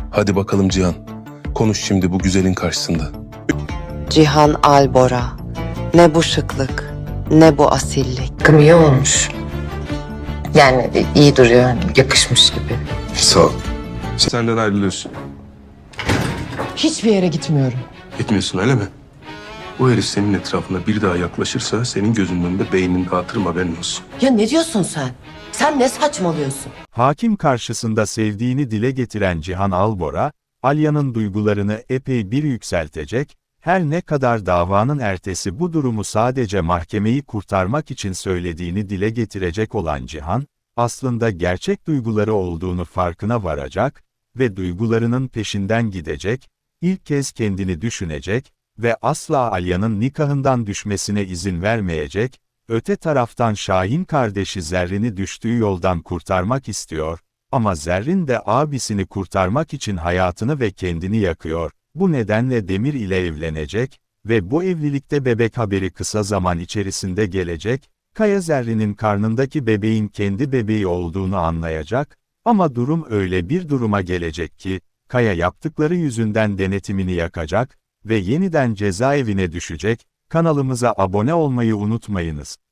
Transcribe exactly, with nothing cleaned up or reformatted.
Hadi bakalım Cihan. Konuş şimdi bu güzelin karşısında. Cihan Albora. Ne bu şıklık, ne bu asillik. Takım iyi olmuş. Yani iyi duruyor, yani yakışmış gibi. Sağ ol. Senden ayrılıyorsun. Hiçbir yere gitmiyorum. Gitmiyorsun öyle mi? Bu herif senin etrafına bir daha yaklaşırsa senin gözünün önünde beynini dağıtırım, haberin olsun. Ya ne diyorsun sen? Sen ne saçmalıyorsun? Hakim karşısında sevdiğini dile getiren Cihan Albora, Alya'nın duygularını epey bir yükseltecek, her ne kadar davanın ertesi bu durumu sadece mahkemeyi kurtarmak için söylediğini dile getirecek olan Cihan, aslında gerçek duyguları olduğunu farkına varacak ve duygularının peşinden gidecek, ilk kez kendini düşünecek ve asla Alya'nın nikahından düşmesine izin vermeyecek. Öte taraftan Şahin kardeşi Zerrin'i düştüğü yoldan kurtarmak istiyor, ama Zerrin de abisini kurtarmak için hayatını ve kendini yakıyor. Bu nedenle Demir ile evlenecek ve bu evlilikte bebek haberi kısa zaman içerisinde gelecek. Kaya Zerrin'in karnındaki bebeğin kendi bebeği olduğunu anlayacak, ama durum öyle bir duruma gelecek ki, Kaya yaptıkları yüzünden denetimini yakacak ve yeniden cezaevine düşecek. Kanalımıza abone olmayı unutmayınız.